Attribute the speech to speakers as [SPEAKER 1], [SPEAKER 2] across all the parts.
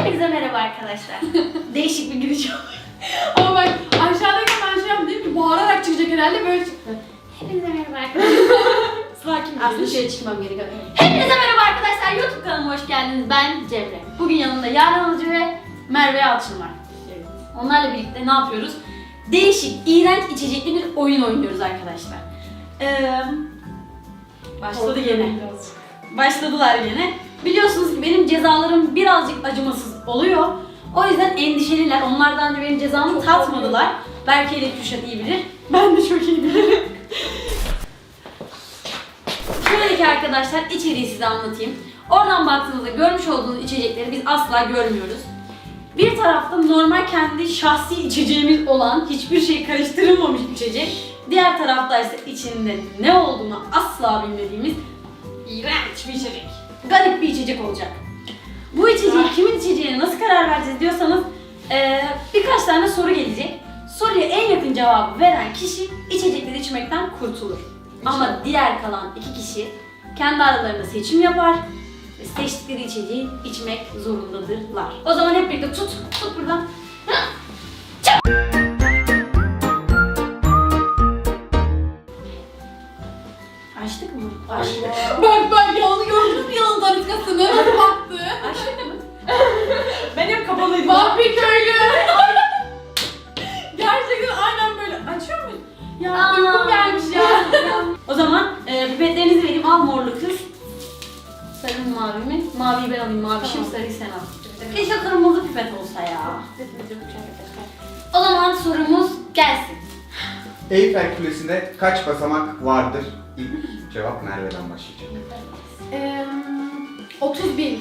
[SPEAKER 1] Hepinize merhaba arkadaşlar. Değişik bir giriş oldu.
[SPEAKER 2] Ama bak aşağıdayken ben şey yaptım, değil mi? Bağırarak çıkacak herhalde, böyle çıktı.
[SPEAKER 1] Hepinize merhaba arkadaşlar.
[SPEAKER 2] Sakin
[SPEAKER 1] Aslında şöyle çıkmam gerekiyor. Hepinize merhaba arkadaşlar. YouTube kanalıma hoş geldiniz. Ben Cemre. Bugün yanımda Yaren Alıcı ve Merve Yalçın var.
[SPEAKER 2] Evet.
[SPEAKER 1] Onlarla birlikte ne yapıyoruz? Değişik, iğrenç içecekli bir oyun oynuyoruz arkadaşlar. Başladı gene. Başladılar yine. Biliyorsunuz ki benim cezalarım birazcık acımasız oluyor. O yüzden endişeliler. Onlar daha önce benim cezamı tatmadılar. Belki ile Kürşat iyi bilir. Ben de çok iyi bilirim. Şöyle ki arkadaşlar, içeriği size anlatayım. Oradan baktığınızda görmüş olduğunuz içecekleri biz asla görmüyoruz. Bir tarafta normal kendi şahsi içeceğimiz olan, hiçbir şey karıştırılmamış içecek. Diğer tarafta ise içinde ne olduğunu asla bilmediğimiz iğrenç bir içecek. Garip bir içecek olacak. Bu içeceği kimin içeceğine nasıl karar vereceğiz diyorsanız birkaç tane soru gelecek. Soruya en yakın cevabı veren kişi içecekleri içmekten kurtulur. Ama diğer kalan iki kişi kendi aralarında seçim yapar ve seçtikleri içeceği içmek zorundadırlar. O zaman hep birlikte tut buradan. Açtık mı? Açtık.
[SPEAKER 2] Bak yalanı gördünüz mü, yalanın daniskasını? Nasıl baktı?
[SPEAKER 1] Açtık mı?
[SPEAKER 2] Ben hep kapalıydım. Vampir köylü. Gerçekten aynen böyle. Açıyor muyuz? Ya uykum gelmiş ya.
[SPEAKER 1] O zaman pipetlerinizi vereyim. Al morlu kız. Sarı mı mavi mi? Maviyi ben alayım. Mavi şimdi sarıyı sen al. Keşke kırmızı pipet olsa ya. O zaman sorumuz gelsin.
[SPEAKER 3] Eyfel Kulesi'nde kaç basamak vardır? İlk cevap Merve'den başlayacak.
[SPEAKER 2] 30.000.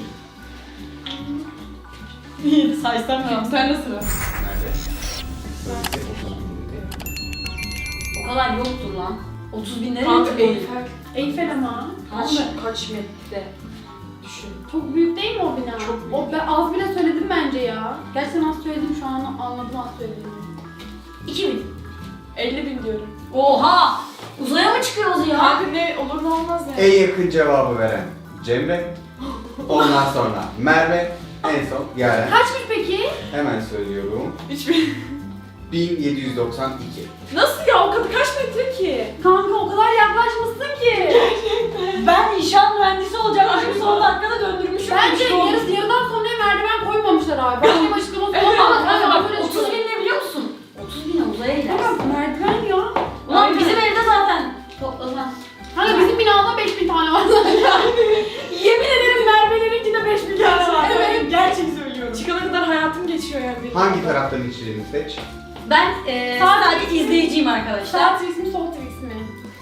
[SPEAKER 1] İyi saysam ya.
[SPEAKER 2] Sen nasıl?
[SPEAKER 3] Merve. Böylece 30 bin.
[SPEAKER 1] O kadar yoktur lan. 30 bin lira
[SPEAKER 4] Kanka
[SPEAKER 1] yoktur.
[SPEAKER 2] Eyfel ama.
[SPEAKER 4] Kaç metre? Düşün.
[SPEAKER 2] Çok büyük değil mi o bina?
[SPEAKER 4] Çok büyük.
[SPEAKER 2] O, ben az bile söyledim bence ya. Gerçekten az söyledim, şu an anladım az söylediğimi.
[SPEAKER 1] 2000.
[SPEAKER 4] 50.000 diyorum.
[SPEAKER 1] Oha! Uzaya mı çıkıyoruz ya?
[SPEAKER 4] Kanka ne olur ne olmaz yani.
[SPEAKER 3] En yakın cevabı veren Cemre. Ondan sonra Merve. En son Yaren.
[SPEAKER 2] Kaçmış peki?
[SPEAKER 3] Hemen söylüyorum.
[SPEAKER 4] 3000.
[SPEAKER 3] 1792.
[SPEAKER 4] Nasıl ya, o kadar kaç metre ki?
[SPEAKER 2] Kanka o kadar yaklaşmışsın ki.
[SPEAKER 1] Ben inşaat mühendisi olacakmışım, son dakikada döndürmüşüm.
[SPEAKER 2] Bence
[SPEAKER 1] İşte olmuş.
[SPEAKER 2] yarıdan sonra merdiven koymamışlar abi. Başka bir açıklaması olmaz.
[SPEAKER 1] Ama kanka bak,
[SPEAKER 2] Böyle
[SPEAKER 1] 30 bin ne biliyor musun? 30 bin uzaya gidersin.
[SPEAKER 2] Kanka merdiven ya.
[SPEAKER 1] Ulan
[SPEAKER 4] Aynen.
[SPEAKER 1] bizim evde zaten toplasan.
[SPEAKER 2] Hani bizim binada 5000 tane var.
[SPEAKER 1] Yemin ederim Merve'lerinkinde 5000 tane var.
[SPEAKER 4] Evet.
[SPEAKER 1] Gerçek söylüyorum.
[SPEAKER 4] Çıkana kadar hayatım geçiyor yani benim.
[SPEAKER 3] Hangi taraftan içeceğini seç.
[SPEAKER 1] Ben sadece izleyiciyim arkadaşlar.
[SPEAKER 2] Sağ tweets mi sol tweets mi?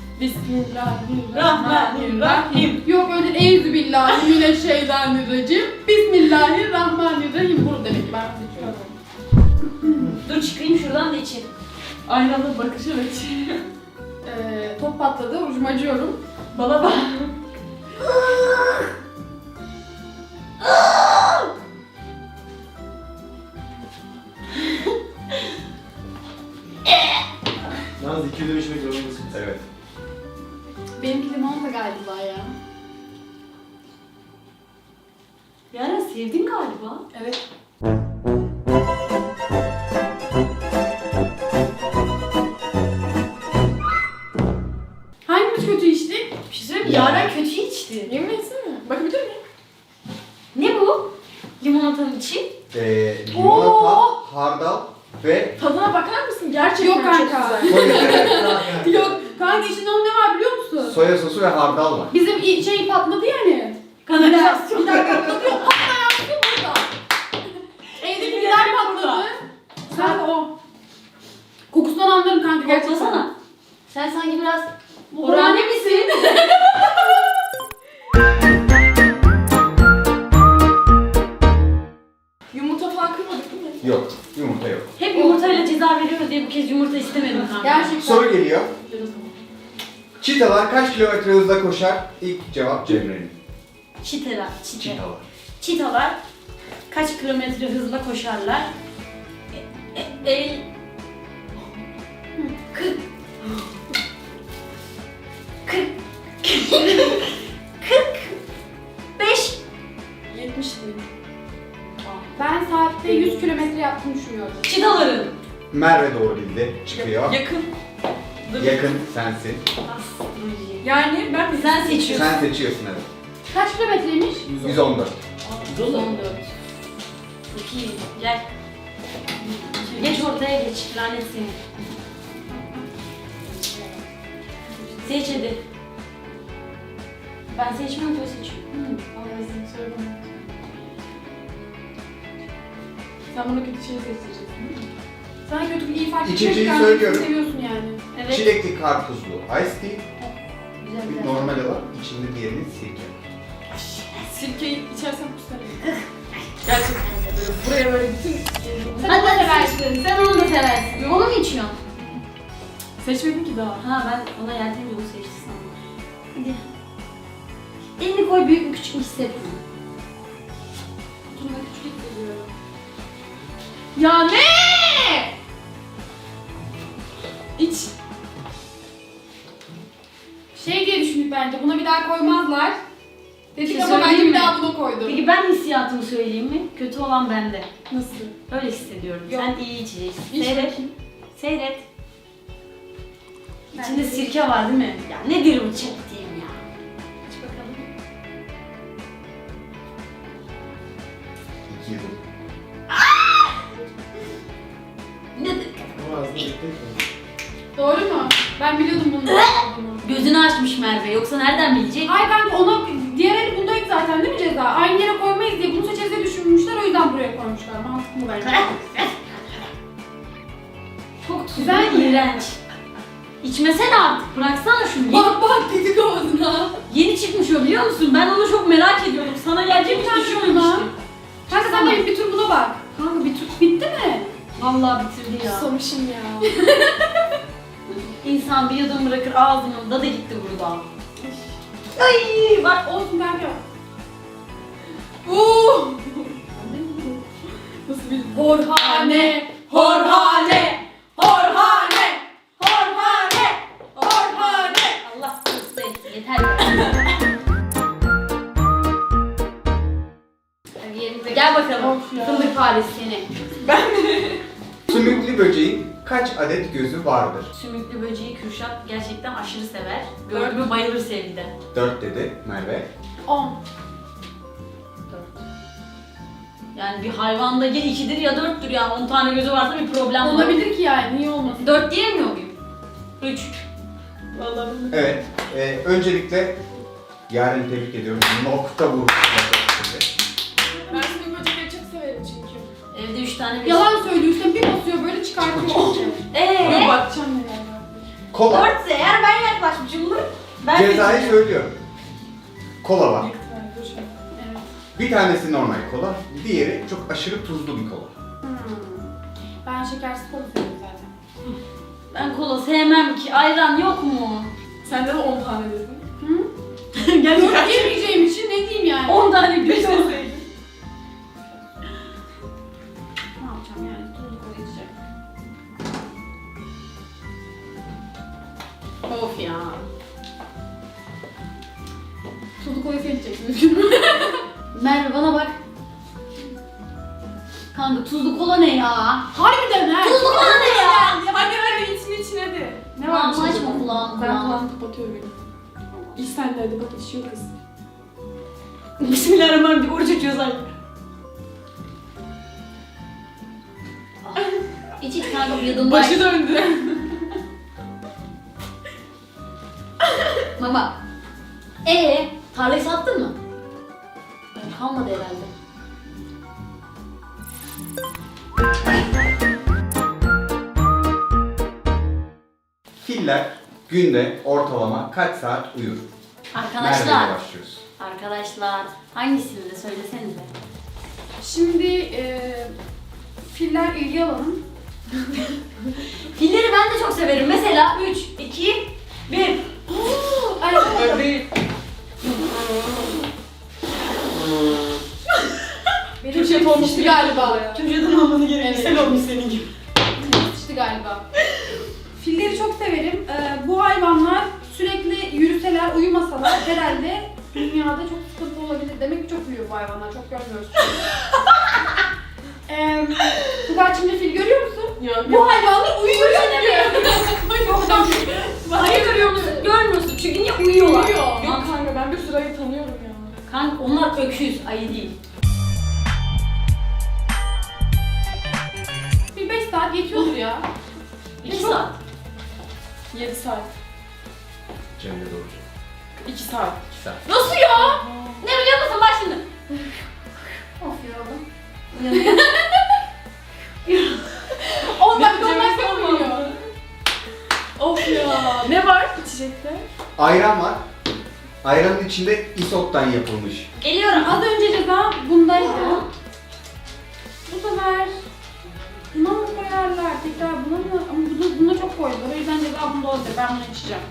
[SPEAKER 1] Bismillahirrahmanirrahim.
[SPEAKER 2] Yok öyle euzubillahimineşşeytanirracim. Bismillahirrahmanirrahim. Bunu demek ki ben seçiyorum.
[SPEAKER 1] Dur çıkayım şuradan da içeyim.
[SPEAKER 4] Aynı anda bakış evet.
[SPEAKER 2] Top patladı, ucum acıyorum.
[SPEAKER 4] Bana bak.
[SPEAKER 3] Yalnız 2 ödemek zorundasın. Evet.
[SPEAKER 2] Benimki limonata galiba ya.
[SPEAKER 1] Yaren sevdin galiba.
[SPEAKER 2] Evet. Hangimiz kötü içtik?
[SPEAKER 1] Bir şey söyleyeyim mi? Yaren kötü içti.
[SPEAKER 4] Yemin etsene. Bakabilir miyim?
[SPEAKER 1] Ne bu? Limonatanın içi.
[SPEAKER 3] Limonata, hardal ve
[SPEAKER 4] Tadına bakar mısın? Gerçekten
[SPEAKER 2] Yok
[SPEAKER 4] çok
[SPEAKER 2] kanka.
[SPEAKER 4] güzel.
[SPEAKER 2] Yok. Kanka içinde onun ne var biliyor musun?
[SPEAKER 3] soya sosu ve hardal var.
[SPEAKER 2] Bizim şey patladı yani.
[SPEAKER 1] Kanalizasyon.
[SPEAKER 2] Gider patladı yok. Patlayan su burada. Evdeki gider patladı. Sen o. Kokusundan anlarım kanka gerçekten.
[SPEAKER 1] Koklasana. Sen sanki biraz orane misin?
[SPEAKER 4] Yumurta falan kırmadık değil mi?
[SPEAKER 3] Yok. Yumurta yok.
[SPEAKER 1] Hep yumurtayla ceza veriyoruz diye bu kez yumurta istemedim kanka.
[SPEAKER 2] Gerçekten.
[SPEAKER 3] Soru geliyor. Çitalar kaç kilometre hızla koşar? İlk cevap Cemre'nin.
[SPEAKER 1] Çitalar.
[SPEAKER 3] Çitalar.
[SPEAKER 1] Çitalar kaç kilometre hızla koşarlar? 40 45
[SPEAKER 4] 70 bin.
[SPEAKER 1] Aa,
[SPEAKER 2] Ben saatte 100 kilometre yaptığını düşünüyorum.
[SPEAKER 1] Çitaların.
[SPEAKER 3] Merve doğru bildi. Çıkıyor.
[SPEAKER 4] Yakın.
[SPEAKER 3] Yakın sensin.
[SPEAKER 4] Yani ben
[SPEAKER 1] Sen seçiyorsun.
[SPEAKER 3] Sen seçiyorsun evet.
[SPEAKER 2] Kaç kilometreymiş?
[SPEAKER 3] 114.
[SPEAKER 1] 14. Çok iyi. Gel. Geç ortaya geç. Lanet seni. Seç hadi. Ben seçmiyorum ki o seçiyor.
[SPEAKER 4] Allah'ım söyle bana. Sen bana kötü şey seçeceksin değil mi?
[SPEAKER 2] Sana kötü bir iyi fark
[SPEAKER 3] İçeceği
[SPEAKER 2] etmez,
[SPEAKER 3] söylüyorum.
[SPEAKER 2] seviyorsun yani.
[SPEAKER 1] Evet.
[SPEAKER 3] Çilekli karpuzlu ice tea.
[SPEAKER 1] Güzel
[SPEAKER 3] Bir
[SPEAKER 1] güzel.
[SPEAKER 3] normal olan içinde diğerinin sirke.
[SPEAKER 4] Sirkeyi içersen kusarım. Gerçekten böyle buraya böyle bütün...
[SPEAKER 2] Sen
[SPEAKER 1] Hadi
[SPEAKER 2] onu
[SPEAKER 1] hadi
[SPEAKER 2] seversin.
[SPEAKER 1] Sen onu da seversin. Onu mu içiyorsun?
[SPEAKER 4] Seçmedin ki daha.
[SPEAKER 1] Ha ben ona yeltenince onu seçti sandım. Hadi. Elini koy, büyük mü küçük mü hissetme.
[SPEAKER 2] Kutumda küçük hissediyorum.
[SPEAKER 4] Ya ne? İç.
[SPEAKER 2] Şey diye düşündük bence, buna bir daha koymazlar. Dedik
[SPEAKER 1] Bir şey
[SPEAKER 2] ama bence
[SPEAKER 1] söyleyeyim
[SPEAKER 2] bir
[SPEAKER 1] mi?
[SPEAKER 2] daha bunu koydum.
[SPEAKER 1] Peki ben hissiyatımı söyleyeyim mi? Kötü olan bende.
[SPEAKER 4] Nasıl?
[SPEAKER 1] Öyle hissediyorum.
[SPEAKER 2] Yok.
[SPEAKER 1] Sen iyi içeceksin.
[SPEAKER 4] İç
[SPEAKER 1] Seyret.
[SPEAKER 4] bakayım.
[SPEAKER 1] Seyret.
[SPEAKER 2] Ben
[SPEAKER 1] İçinde
[SPEAKER 2] de-
[SPEAKER 1] sirke var değil mi? Ya nedir bu çektiğim ya?
[SPEAKER 2] Aç bakalım.
[SPEAKER 3] 2 yıl.
[SPEAKER 1] Nedir?
[SPEAKER 2] Doğru mu? Ben biliyordum bunun olduğunu.
[SPEAKER 1] Gözünü açmış Merve. Yoksa nereden bilecek?
[SPEAKER 2] Hayır kanka ona diğer el bundaydı zaten değil mi ceza? Aynı yere koymayız diye bunu seçeriz diye düşünmüşler, o yüzden buraya koymuşlar. Mantıklı mı bence?
[SPEAKER 1] Çok tuzlu,
[SPEAKER 2] Güzel mi?
[SPEAKER 1] iğrenç. İçmesene artık. Bıraksana şunu.
[SPEAKER 2] Bak bak dedik ağzına.
[SPEAKER 1] Yeni çıkmış o, biliyor musun? Ben onu çok merak ediyordum. Sana gelecek hiç düşünmemiştim.
[SPEAKER 2] Kanka sen de bir tur buna bak.
[SPEAKER 1] Kanka bir tut.
[SPEAKER 2] Bitti mi?
[SPEAKER 1] Vallahi bitirdi ya.
[SPEAKER 4] Susamışım ya.
[SPEAKER 1] İnsan bir yudum bırakır, ağzının da gitti burada. Ay bak.
[SPEAKER 2] Olsun kanka.
[SPEAKER 4] Nasıl bir...
[SPEAKER 2] Horhane,
[SPEAKER 1] Horhane, Horhane, Horhane, Horhane. Allah korusun etsin, yeter. Hadi yerimize gel bakalım.
[SPEAKER 4] Of ya.
[SPEAKER 1] Fındık faresi seni.
[SPEAKER 3] Sümüklü böceğin kaç adet gözü vardır?
[SPEAKER 1] Sümüklü böceği Kürşat gerçekten aşırı sever. Gördü mü bayılır sevgiden.
[SPEAKER 3] 4 dedi Merve.
[SPEAKER 2] 10.
[SPEAKER 1] Yani bir hayvanda ya 2'dir ya 4'tür yani. 10 tane gözü varsa bir problem var.
[SPEAKER 2] Olabilir ki yani, niye olmasın?
[SPEAKER 1] 4 diyemiyor muyum? 3.
[SPEAKER 4] Vallahi bunu...
[SPEAKER 3] Evet. Öncelikle Yaren'i tebrik ediyorum. Nokta bu.
[SPEAKER 4] Ben sümük böcekleri çok severim çünkü.
[SPEAKER 1] Evde 3 tane bir...
[SPEAKER 2] Yalan söylüyorsun, bir basıyor böyle çıkartıyor.
[SPEAKER 4] Bana bakacağım neler var.
[SPEAKER 3] Kola.
[SPEAKER 1] 4 eğer ben yaklaşmışımdır. Ben
[SPEAKER 3] Cezayı
[SPEAKER 1] seçeceğim.
[SPEAKER 3] söylüyorum. Kola var.
[SPEAKER 4] Büyük ihtimalle dur şimdi.
[SPEAKER 2] Evet.
[SPEAKER 3] Bir tanesi normal kola, diğeri çok aşırı tuzlu bir kola.
[SPEAKER 2] Ben şekersiz kola seviyorum zaten.
[SPEAKER 1] Ben kola sevmem ki. Ayran yok mu?
[SPEAKER 4] Sende de 10 tane dedin.
[SPEAKER 2] Hı?
[SPEAKER 1] Gerçekten.
[SPEAKER 2] Yok yemeyeceğim için ne diyeyim yani?
[SPEAKER 1] 10 tane göz
[SPEAKER 4] Beş
[SPEAKER 1] olsaydı.
[SPEAKER 4] olsaydı.
[SPEAKER 2] Ne yapacağım yani? Tuzlu kola içeceğim.
[SPEAKER 1] Of ya.
[SPEAKER 2] Tuzlu kolayı sen içeceksin.
[SPEAKER 1] Merve bana bak. Kanka tuzlu kola ne ya?
[SPEAKER 2] Harbiden ha.
[SPEAKER 1] Tuzlu kola ne ya?
[SPEAKER 4] Hadi hadi için hadi.
[SPEAKER 2] Ne
[SPEAKER 1] Kulağımı
[SPEAKER 2] var
[SPEAKER 1] açma kulağımı.
[SPEAKER 4] Ben kulağımı kapatıyorum benim. İç sen de hadi bak içiyor kız.
[SPEAKER 1] Bismillahirrahmanirrahim. Oruç açıyor sanki. İç iç kanka bir yudum
[SPEAKER 4] Başı döndü.
[SPEAKER 1] Mama. Tarlayı sattın mı? Kalmadı herhalde.
[SPEAKER 3] Filler günde ortalama kaç saat uyur?
[SPEAKER 1] Arkadaşlar.
[SPEAKER 3] Merve'yle başlıyoruz.
[SPEAKER 1] Arkadaşlar. Hangisini de söylesenize.
[SPEAKER 2] Şimdi filler ilgi alalım.
[SPEAKER 1] Filleri ben de çok severim. Mesela 3, 2, 1.
[SPEAKER 2] Ay,
[SPEAKER 3] Hadi.
[SPEAKER 2] benim
[SPEAKER 4] Türkçe
[SPEAKER 2] şey
[SPEAKER 4] olmuş
[SPEAKER 2] olmuştu galiba.
[SPEAKER 1] Türkçeden olmanı gerek.
[SPEAKER 2] Evet.
[SPEAKER 1] Güzel olmuş senin gibi.
[SPEAKER 2] Sıçtı galiba. Filleri çok severim. Bu hayvanlar sürekli yürüseler, uyumasalar herhalde dünyada çok sıkıntı olabilir. Demek ki çok uyuyor bu hayvanlar. Çok görmüyoruz.
[SPEAKER 4] Yok
[SPEAKER 2] Bu hayvanlar uyuyor çünkü.
[SPEAKER 1] Hayır görmüyorsun çünkü niye uyuyorlar?
[SPEAKER 4] Uyuyor. Yok kanka ben bir sürü ayı tanıyorum ya.
[SPEAKER 1] Kanka onlar öküz, ayı değil.
[SPEAKER 2] Bir 5 saat geçiyordur ya.
[SPEAKER 1] 2 saat.
[SPEAKER 4] 7 saat.
[SPEAKER 3] Cemre doğru.
[SPEAKER 4] 2 saat.
[SPEAKER 3] 2 saat.
[SPEAKER 1] Nasıl ya? Ne biliyor musun bak şimdi. Of yoruldum.
[SPEAKER 2] 10 dakika
[SPEAKER 4] Cemre
[SPEAKER 2] olmazsa
[SPEAKER 4] son
[SPEAKER 2] uyuyor.
[SPEAKER 4] oldu. Of ya. Ne var içecekte?
[SPEAKER 3] Ayran var. Ayranın içinde isottan yapılmış.
[SPEAKER 1] Geliyorum.
[SPEAKER 2] Az önce ceza bundaydı. Bu sefer buna mı koyarlar? Tekrar buna mı? Ama buna çok koydular. O yüzden ceza bunda olacak. Ben bunu içeceğim.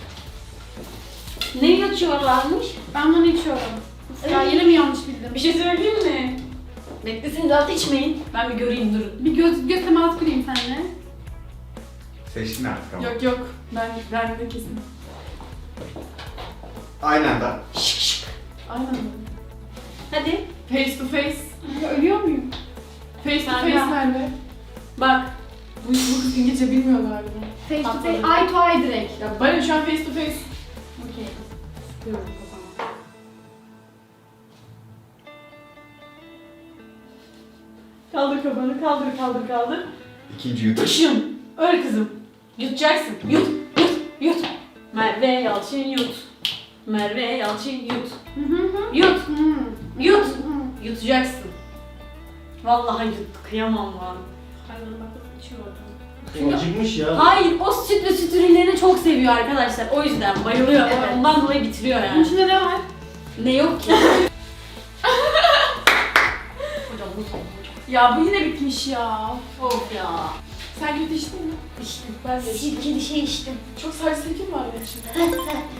[SPEAKER 1] Ne yatıyorlarmış?
[SPEAKER 2] Ben bunu içiyorum. Uf ya yine mi yanlış bildim?
[SPEAKER 1] Bir şey söyleyeyim mi? Beklesin rahat içmeyin. Ben bir göreyim durun.
[SPEAKER 2] Bir göz teması kurayım seninle.
[SPEAKER 3] Seçtin artık ama.
[SPEAKER 4] Yok. Ben de kesin.
[SPEAKER 3] Aynı anda.
[SPEAKER 1] Şık şık.
[SPEAKER 4] Aynen öyle.
[SPEAKER 1] Hadi.
[SPEAKER 4] Face to face.
[SPEAKER 2] Ya ölüyor muyum?
[SPEAKER 4] Face to
[SPEAKER 1] Sen
[SPEAKER 4] face
[SPEAKER 1] ya.
[SPEAKER 4] nerede?
[SPEAKER 1] Bak.
[SPEAKER 4] Bu kız İngilizce bilmiyor galiba.
[SPEAKER 2] Face to face,
[SPEAKER 1] Atladım.
[SPEAKER 2] eye to eye direkt.
[SPEAKER 4] Ya bana şu an face to face.
[SPEAKER 2] Okey. Sıkıyorum o zaman.
[SPEAKER 1] Kaldır kafanı, kaldır.
[SPEAKER 3] İkinci yutuş.
[SPEAKER 1] Işın. Öyle kızım. Yutacaksın. Yut. Merve Yalçın yut. Merve Yalçın yut. Yut. Yut. Yutacaksın. Vallahi yut. Kıyamam lan.
[SPEAKER 2] Hayır bak içiyorum.
[SPEAKER 5] Acıkmış ya.
[SPEAKER 1] Hayır, o süt ve süt ürünlerini çok seviyor arkadaşlar. O yüzden bayılıyor.
[SPEAKER 2] Evet.
[SPEAKER 1] Ondan dolayı bitiriyor
[SPEAKER 2] Bunun
[SPEAKER 1] yani.
[SPEAKER 2] içinde ne var?
[SPEAKER 1] Ne yok ki? Hocam bu son.
[SPEAKER 4] Ya bu yine bitmiş ya.
[SPEAKER 1] Of ya.
[SPEAKER 4] Sen kötü içtin mi?
[SPEAKER 1] İçtim.
[SPEAKER 4] Ben de içtim.
[SPEAKER 1] Sirkeli şey içtim.
[SPEAKER 4] Çok sadece sirke mi var benim şimdi?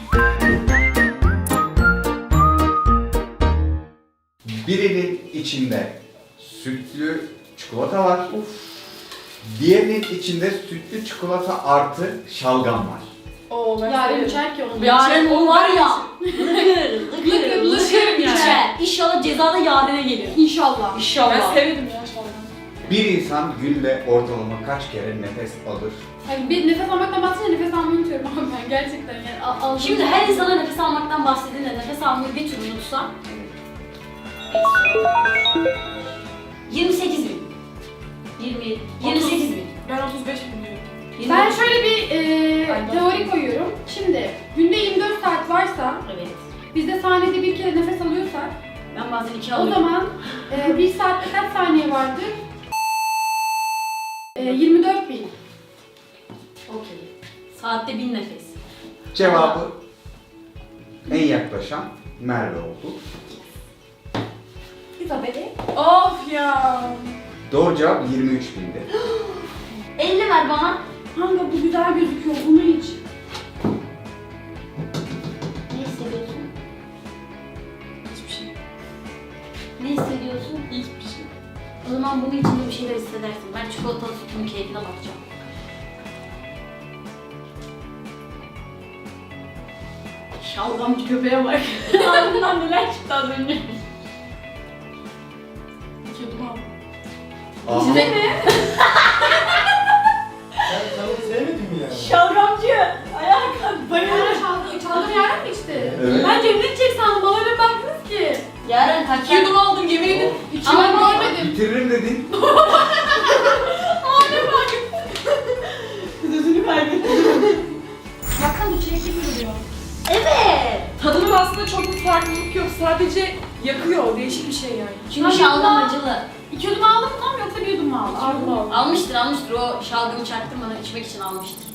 [SPEAKER 3] Birinin içinde sütlü çikolata var. Diğerinin içinde sütlü çikolata artı şalgam var.
[SPEAKER 4] Oo ben
[SPEAKER 2] Yarın
[SPEAKER 4] severim.
[SPEAKER 2] içer ki onu.
[SPEAKER 1] Yaren
[SPEAKER 4] o
[SPEAKER 1] o var ya.
[SPEAKER 2] Lıkır,
[SPEAKER 1] Lıkır
[SPEAKER 2] lıkır
[SPEAKER 1] içer. İnşallah cezada Yaren'e geliyor.
[SPEAKER 2] İnşallah.
[SPEAKER 4] Ben
[SPEAKER 1] İnşallah.
[SPEAKER 4] severim ya şalgam.
[SPEAKER 3] Bir insan günde ortalama kaç kere nefes alır?
[SPEAKER 2] Hani bir nefes almaktan bahsedince nefes almayı unutuyorum ama ben gerçekten yani aldım.
[SPEAKER 1] Şimdi her insana nefes almaktan bahsedince nefes almayı bir türlü unutsa 28 bin. 28 bin.
[SPEAKER 4] Ben 35 biliyorum.
[SPEAKER 2] Ben şöyle bir
[SPEAKER 4] Ay,
[SPEAKER 2] teori koyuyorum. Şimdi günde 24 saat varsa
[SPEAKER 1] Evet.
[SPEAKER 2] biz de saniyede bir kere nefes alıyorsak
[SPEAKER 1] Ben bazen 2
[SPEAKER 2] o
[SPEAKER 1] alıyorum.
[SPEAKER 2] zaman 1 saatte kaç saniye vardır? 24 bin.
[SPEAKER 1] Okey. Saatte 1000 nefes.
[SPEAKER 3] Cevabı en yaklaşan Merve oldu.
[SPEAKER 2] İzabeli.
[SPEAKER 4] Of ya.
[SPEAKER 3] Doğru cevap 23 bindi.
[SPEAKER 1] 50 ver bana.
[SPEAKER 2] Kanka bu güzel gözüküyor. Bunu iç.
[SPEAKER 1] Ne hissediyorsun?
[SPEAKER 4] Hiçbir şey.
[SPEAKER 1] Ne hissediyorsun?
[SPEAKER 4] Hiçbir şey.
[SPEAKER 1] O zaman bunun içinde bir şeyler hissedersin. Ben çikolatalı sütün keyfine bakacağım. Şalgamcı köpeğe bak. Ağzından neler çıktı az önce.
[SPEAKER 4] İki yudum aldım.
[SPEAKER 3] Aha.
[SPEAKER 5] Sen tavuk sevmedin mi yani?
[SPEAKER 1] Şalgamcı. Ayağa kalk. Bayılırım.
[SPEAKER 2] Çaldım yaren mi içti?
[SPEAKER 3] Evet.
[SPEAKER 2] Ben Cemre içecek sandım. Bana öyle baktınız ki.
[SPEAKER 1] Yarın kaç
[SPEAKER 4] İki yudum aldım yemin ederim.
[SPEAKER 2] Ama
[SPEAKER 1] Ama
[SPEAKER 2] görmedim.
[SPEAKER 3] Bitiririm dedin.
[SPEAKER 1] Sözünü kaybettim.
[SPEAKER 2] Baksana bu çilekli duruyor.
[SPEAKER 1] Evet.
[SPEAKER 4] Tadının aslında çok bir farklılık yok. Sadece yakıyor. Değişik bir şey yani.
[SPEAKER 1] Çünkü şalgam acılı.
[SPEAKER 2] 2 yudum aldın mı tam yoksa 1 yudum mu aldın?
[SPEAKER 4] İki yudum aldım.
[SPEAKER 1] Almıştır. O şalgamı çaktırmadan içmek için almıştır.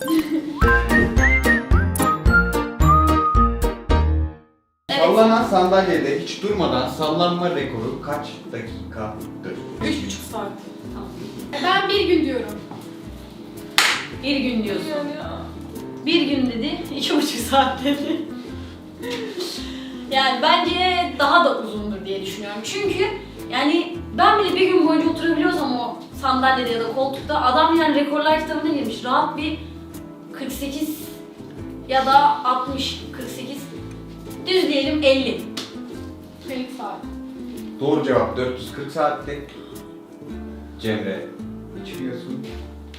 [SPEAKER 1] Evet.
[SPEAKER 3] Sallanan sandalyede hiç durmadan sallanma rekoru kaç dakikadır?
[SPEAKER 4] 3,5 saat.
[SPEAKER 1] Tamam.
[SPEAKER 2] Ben 1 gün diyorum.
[SPEAKER 1] Bir gün diyorsun.
[SPEAKER 4] Yani ya.
[SPEAKER 1] Bir gün dedi, 2,5 saat dedi. Yani bence daha da uzundur diye düşünüyorum. Çünkü yani ben bile bir gün boyunca oturabiliyorsam o sandalyede ya da koltukta adam yani rekorlar kitabına girmiş. Rahat bir 48 ya da 60, 48 düz diyelim 50.
[SPEAKER 2] 50 saat.
[SPEAKER 3] Doğru cevap 440 saatte. Cemre içmiyorsun.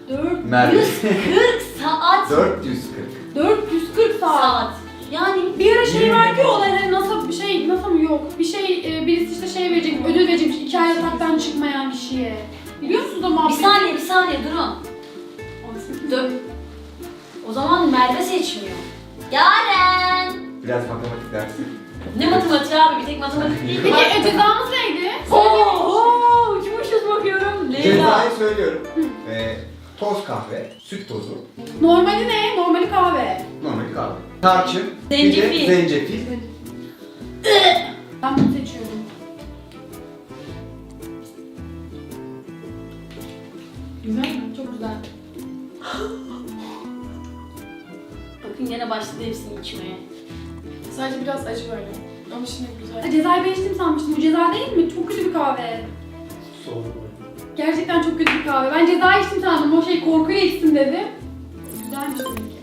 [SPEAKER 3] Merve.
[SPEAKER 1] 140 saat.
[SPEAKER 3] 440.
[SPEAKER 2] 440 saat.
[SPEAKER 1] Saat. Yani
[SPEAKER 2] Bir ara şey var ki olay hani NASA mı yok bir şey birisi işte şey verecek ödül verecekmiş 2 ay yataktan çıkmayan kişiye. Biliyor musunuz o
[SPEAKER 1] bir
[SPEAKER 2] muhabbeti?
[SPEAKER 1] saniye durun. O zaman Merve seçmiyor. Yaren.
[SPEAKER 3] Biraz matematik dersi.
[SPEAKER 1] Ne matematiği abi? Bir tek matematik değil.
[SPEAKER 2] Peki cezamız neydi?
[SPEAKER 1] Oo, uçmuşuz bakıyorum. Leyla.
[SPEAKER 3] Cezayı söylüyorum. Toz kahve, süt tozu,
[SPEAKER 2] Normali ne? Normali kahve.
[SPEAKER 3] normal kahve. Tarçın,
[SPEAKER 1] Zencefil.
[SPEAKER 3] bir de zencefil.
[SPEAKER 2] Ben bunu seçiyorum.
[SPEAKER 4] Güzel mi? Çok güzel.
[SPEAKER 1] Bakın gene başladı hepsini içmeye.
[SPEAKER 4] Sadece biraz acı böyle. Ama şimdi güzel.
[SPEAKER 2] Cezayı ben içtim sanmıştım. Bu ceza değil mi? Çok kötü bir kahve.
[SPEAKER 5] Soğuk.
[SPEAKER 2] Gerçekten çok kötü bir kahve. Ben cezayı içtim sandım. O şey korkuyla içtim dedi. Güzelmiş tabii ki.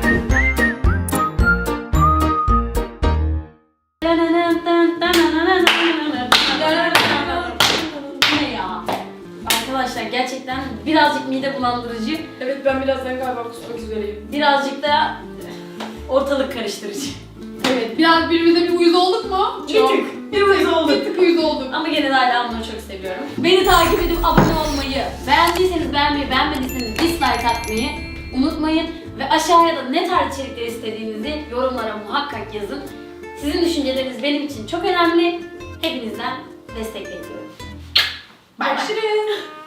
[SPEAKER 1] Ne ya? Arkadaşlar gerçekten birazcık mide bulandırıcı,
[SPEAKER 4] Evet ben birazdan galiba kusmak üzereyim.
[SPEAKER 1] birazcık da ortalık karıştırıcı.
[SPEAKER 2] Evet. Biraz birbirimize bir uyuz olduk mu?
[SPEAKER 1] Bir tık. Bir uyuz olduk.
[SPEAKER 2] Bir tık uyuz olduk.
[SPEAKER 1] Ama gene de hala onları çok seviyorum. Beni takip edip abone olmayı, beğendiyseniz beğenmeyi, beğenmediyseniz dislike atmayı unutmayın. Ve aşağıya da ne tarz içerikler istediğinizi yorumlara muhakkak yazın. Sizin düşünceleriniz benim için çok önemli. Hepinizden destek bekliyorum. Bay bay.
[SPEAKER 4] Görüşürüz.